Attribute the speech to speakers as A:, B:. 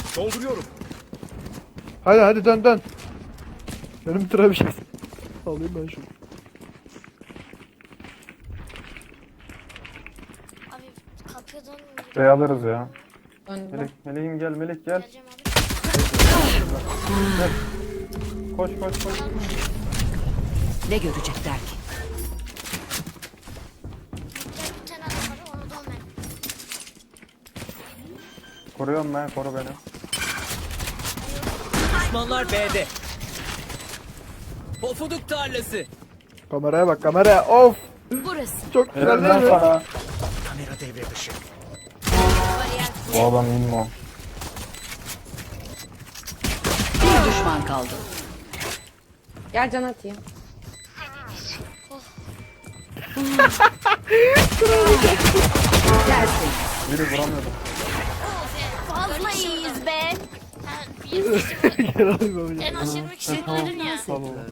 A: Dolduruyorum.
B: Hadi hadi dön dön. Benim tıra bir şey. Alayım ben şunu.
C: Abi kapıdan
D: Şey alırız ya.
E: Döndüm.
D: Meleğim gel, Melek gel.
C: geleceğim abi.
D: Koş koş koş.
F: Ne görecekler ki?
C: Gel bir tane adam var onu da ben.
D: Koruyorum ben, koru beni.
A: Düşmanlar B'de. Pofuduk tarlası.
B: Kameraya bak kameraya. Of.
F: Burası.
B: Çok güzel değil
D: Elinden
B: mi?
D: sana.
A: Kamera devre dışı.
D: Bu adam inmo.
F: Bir düşman kaldı.
E: Gel can atayım.
F: Gelsin.
D: Biri vuramıyordum.
C: Fazla iyiyiz be.
B: Gel alayım babacığım.
C: En az 20 kişi öldürdün ya.
D: Tamam.